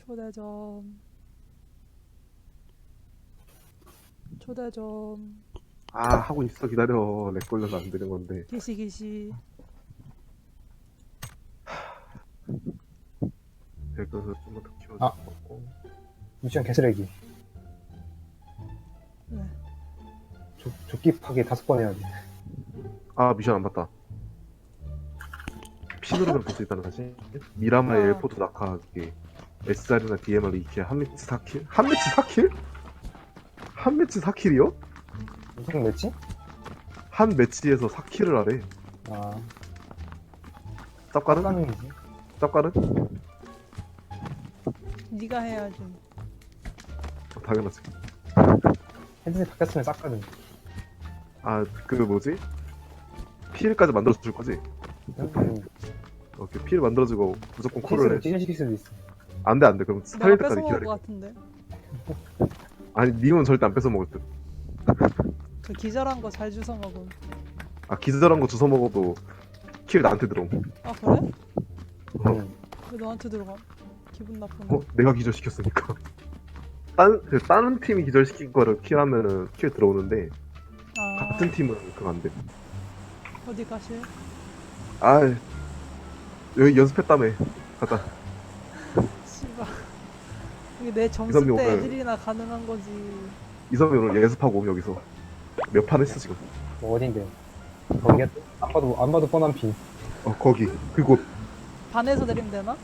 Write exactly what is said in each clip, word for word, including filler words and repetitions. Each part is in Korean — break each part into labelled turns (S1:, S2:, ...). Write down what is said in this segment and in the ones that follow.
S1: 초대점. 초대점.
S2: 아 하고 있어 기다려. 렉 걸려서 안 되는 건데.
S1: 기시 기시.
S2: 렉걸려서 좀만 더 키워줘.
S3: 아. 미션 개쓰레기.
S1: 네.
S3: 조, 조끼 파괴 다섯 번 해야 돼.
S2: 아 미션 안 봤다. 피 누르면 볼 수 있다는 사실. 미라마의
S1: 아.
S2: 엘포트 낙하 그게 에스알이나 디엠알 이렇게 한 매치 사 킬? 한 매치 사 킬? 한 매치 사 킬이요?
S3: 무슨 매치?
S2: 한 매치에서 사 킬을 하래.
S3: 아,
S2: 쌉가는?
S3: 깜깜이지.
S2: 쌉가는?
S1: 네가 해야지.
S2: 어, 당연하지.
S3: 헤드셋 바뀌었으면 쌌거든.
S2: 아 그 뭐지? 필까지 만들어줄 거지?
S3: 음,
S2: 오케이 필 만들어주고 무조건 콜을 해.
S3: 찢어시킬 수도 있어.
S2: 안돼 안돼 그럼
S1: 내가
S2: 살릴 때까지
S1: 뺏어먹을
S2: 기다려.
S1: 것 같은데.
S2: 아니 님은 절대 안 뺏어 먹을 듯.
S1: 그 기절한 거 잘 주워 먹음.
S2: 아 기절한 거 주워 먹어도 킬 나한테 들어옴.
S1: 아 그래?
S3: 음.
S1: 왜 너한테 들어가? 기분 나쁘네.
S2: 어? 내가 기절시켰으니까. 딴, 그 다른 팀이 기절시킨 거를 킬하면은 킬 들어오는데
S1: 아
S2: 같은 팀은 그거 안 돼.
S1: 어디 가실?
S2: 아 여기 연습했다며. 갔다.
S1: 씨발. 이게 내 점수
S2: 이선미
S1: 때
S2: 오늘-
S1: 애들이나 가능한 거지.
S2: 이성이 오늘 연습하고 옴 여기서 몇 판 했어 지금.
S3: 뭐 어딘데? 거기야? 안 봐도, 안 봐도 뻔한 피.
S2: 어 거기 그곳.
S1: 반에서 내리면 되나?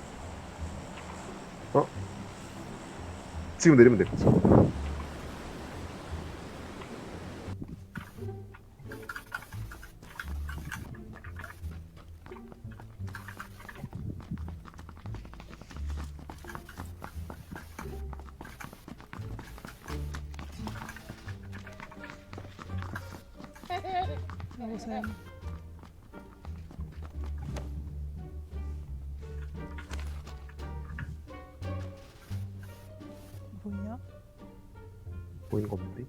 S2: 지금 내리면 돼.
S1: 여보세요. 뭐냐?
S2: 보이는 거 없는데?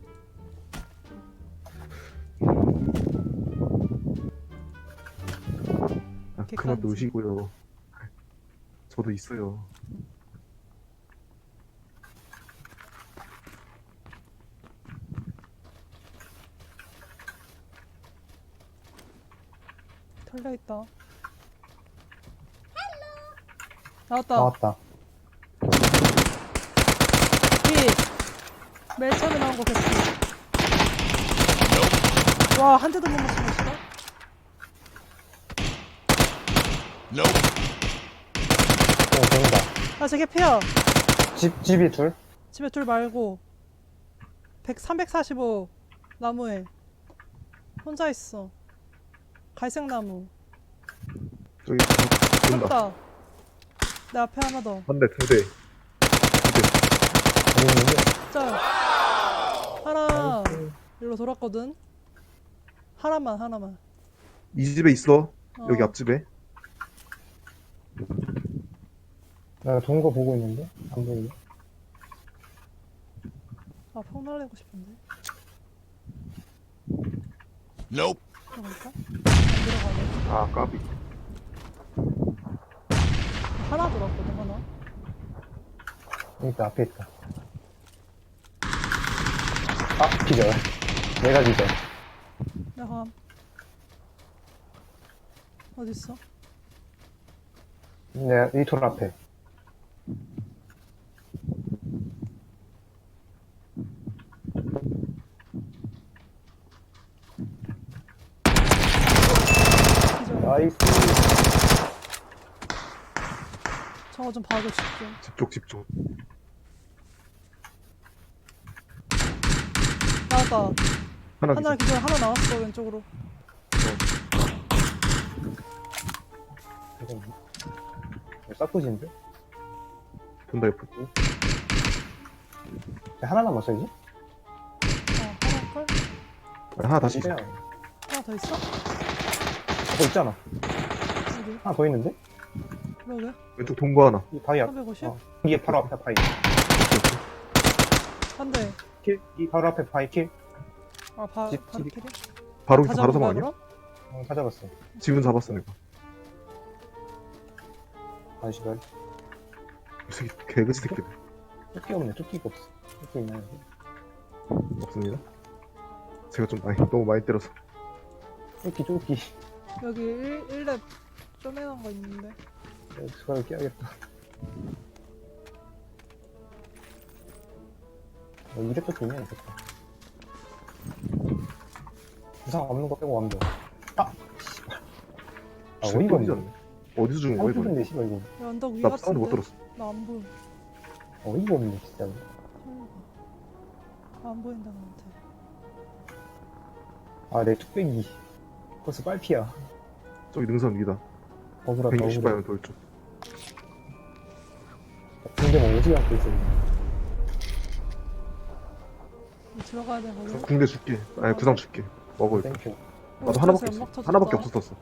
S2: 아, 그만
S1: 객관지.
S2: 놓으시고요. 저도 있어요.
S1: 털려 있다. 나왔다.
S3: 나왔다.
S1: 피. 맨 처음에 나온 거 개피. 와, 한 대도 못 맞추고 있어.
S3: 어, 보인다.
S1: 아, 저 개피야.
S3: 집, 집이 둘?
S1: 집에 둘 말고. 백, 삼백사십오 나무에. 혼자 있어. 갈색 나무.
S2: 저기 본다.
S1: 쏜다. 내 앞에 하나 더.
S2: 한 대, 두 대.
S3: 여기 있는데?
S1: 짤. 하나. 일로 돌았거든. 하나만, 하나만.
S2: 이 집에 있어.
S1: 어.
S2: 여기 앞집에.
S3: 내가 도는 거 보고 있는데? 안 보이네.
S1: 아, 폭 날리고 싶은데.
S4: Nope.
S1: 들어갈까? 안 들어가네.
S2: 아, 까비.
S1: 하나 돌았거든, 하나.
S3: 여기 있다, 앞에 있다. 아, 기절. 내가 기절.
S1: 내가 어딨어?
S3: 내가 이 돌 앞에.
S1: 기절.
S3: 나이스.
S1: 저거 좀 봐줘, 집중.
S2: 집쪽, 집쪽.
S1: 나왔다.
S2: 하나
S1: 하나
S2: 기절.
S1: 기절, 하나 나왔어, 왼쪽으로.
S3: 이거 뭐? 이거 싹구지인데?
S2: 본다, 옆으로.
S3: 하나 남았어, 이제?
S1: 어, 하나 걸?
S2: 아, 하나 다시.
S3: 이래야.
S1: 하나 더 있어?
S3: 더 있잖아.
S1: 어디?
S3: 하나 더 있는데?
S1: 그러게.
S2: 왼쪽 동거 하나.
S3: 이 바위 앞.
S1: 삼백오십?
S3: 어. 이게 바로 앞에 바위.
S1: 한 대.
S3: 킬? 이 바로 앞에 바위 킬?
S1: 아, 바,
S3: 집,
S1: 바로
S3: 집이-
S1: 킬이?
S2: 바로,
S1: 다
S2: 바로
S1: 잡은 거야,
S2: 사망 아니야?
S1: 그럼?
S3: 어, 찾아봤어.
S2: 집은 잡았어, 내가.
S3: 한 시간.
S2: 이 새끼 개그지 새끼들.
S3: 조끼 없네. 조끼가 없어. 조끼 있나요?
S2: 없습니다. 제가 좀 많이 너무 많이 때려서.
S3: 조끼 조끼.
S1: 여기 일, 일렙 쪼매난 거 있는데.
S3: 수가를 깨야겠다. 어, 이래 조끼 있네. 있었다. 부상 없는 거 빼고 완벽. 아! 씨발. 아
S2: 진짜
S3: 어이가
S2: 뚫리지
S3: 없네.
S2: 않네. 어디서 죽은 거야 이거?
S3: 한국인데 씨발 이거.
S1: 야, 언덕 위
S2: 나
S1: 같은데?
S2: 사운드 못 들었어.
S1: 나 안 보여.
S3: 어이가 없네 진짜.
S1: 아, 안 보인다 나한테.
S3: 아 내 뚝배기. 벌써 빨피야.
S2: 저기 능선 위다.
S3: 억울하다
S2: 백육십
S3: 억울해.
S2: 방향 돌쪽.
S3: 근데 뭐 오지게 않고 있어.
S1: 들어가야 돼 거기.
S2: 궁대 줄게. 아니 구상 줄게. 먹어 일단.
S3: 땡큐.
S2: 나도 하나밖에 없어. 하나밖에 없었어.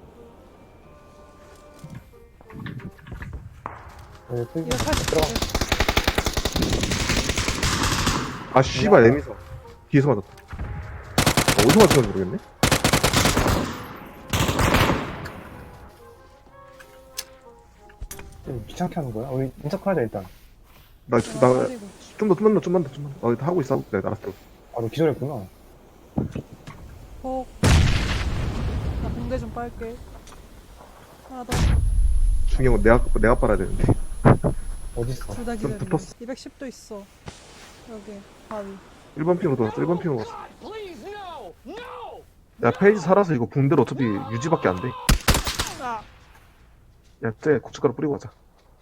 S3: 네, 뚝배기.
S1: 이거 팔십
S3: 들어가.
S2: 아 씨발 애미사. 뒤에서 맞았다. 어, 어디서 맞았는지 모르겠네.
S3: 좀 귀찮게 하는 거야? 우리 인터하자 일단.
S2: 나 좀 나 좀 더 좀만 더 좀만 더 좀만 더. 어, 하고 있어. 네 알았어.
S3: 아 너 기절했구나.
S1: 어. 나 공대 좀 빨게. 하나 더.
S2: 중요한 건 내가 내가 빨아야 되는데.
S3: 어딨어?
S1: 둘 다
S2: 좀
S1: 기다려.
S2: 붙었어.
S1: 이백십도 있어. 여기 바위.
S2: 일 번 핑으로 돌았어. 일 번 핑으로 갔어. 야 페이지 살아서 이거 궁대로 어차피 유지밖에 안 돼.
S1: 아.
S2: 야, 쟤 고춧가루 뿌리고 가자.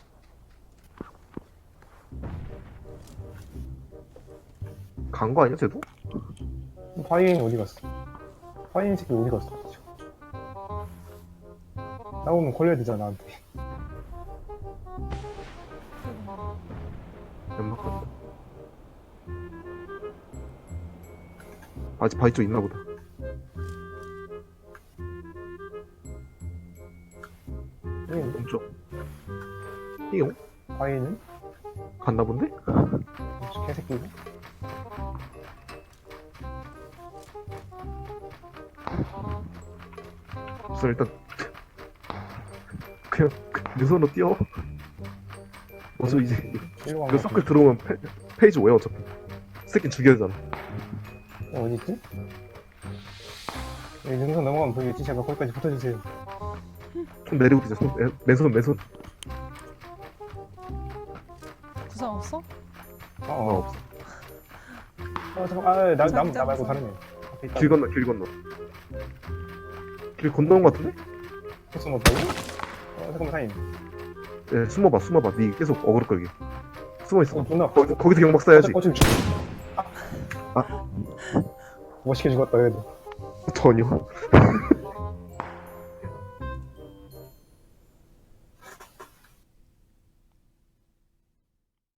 S2: 간 거 아니야, 쟤도?
S3: 파이인 어디 갔어? 파이인 새끼 어디 갔어? 나오면 걸려야 되잖아 나한테.
S2: 연막 간다. 아직 바위 쪽 있나 보다.
S3: 파이인?
S2: 왼쪽. 띵용?
S3: 파이인은?
S2: 갔나 본데?
S3: 개새끼고?
S2: 우선 일단 그냥 내 손으로 뛰어. 어차피 이제
S3: 일로
S2: 그
S3: 가면
S2: 서클 들어오면 페, 페이지 오야 어차피. 새끼 죽여야 되잖아.
S3: 어, 어딨지? 여기 능선 넘어가면 보이겠지? 제발 거기까지 붙어주세요.
S2: 좀 내리고 뛰자. 손, 에, 맨손 맨손.
S1: 구상 없어?
S3: 아,
S2: 어,
S3: 어.
S2: 없어.
S3: 어, 잠깐, 아, 나, 나,
S1: 자기
S3: 나 말고
S1: 장소.
S3: 다른 애. 앞에 있다.
S2: 길 건너 길 건너. 길 건너온 거 같은데?
S3: 코스 못 보고? 어, 잠깐만, 타임.
S2: 예, 숨어봐 숨어봐. 니 계속 어그로 끌게. 숨어 있어.
S3: 어, 존나.
S2: 거기, 거기서 경박 써야지.
S3: 어, 좀. 아.
S2: 아.
S3: 멋있게 죽었다, 그래도.
S2: 전혀.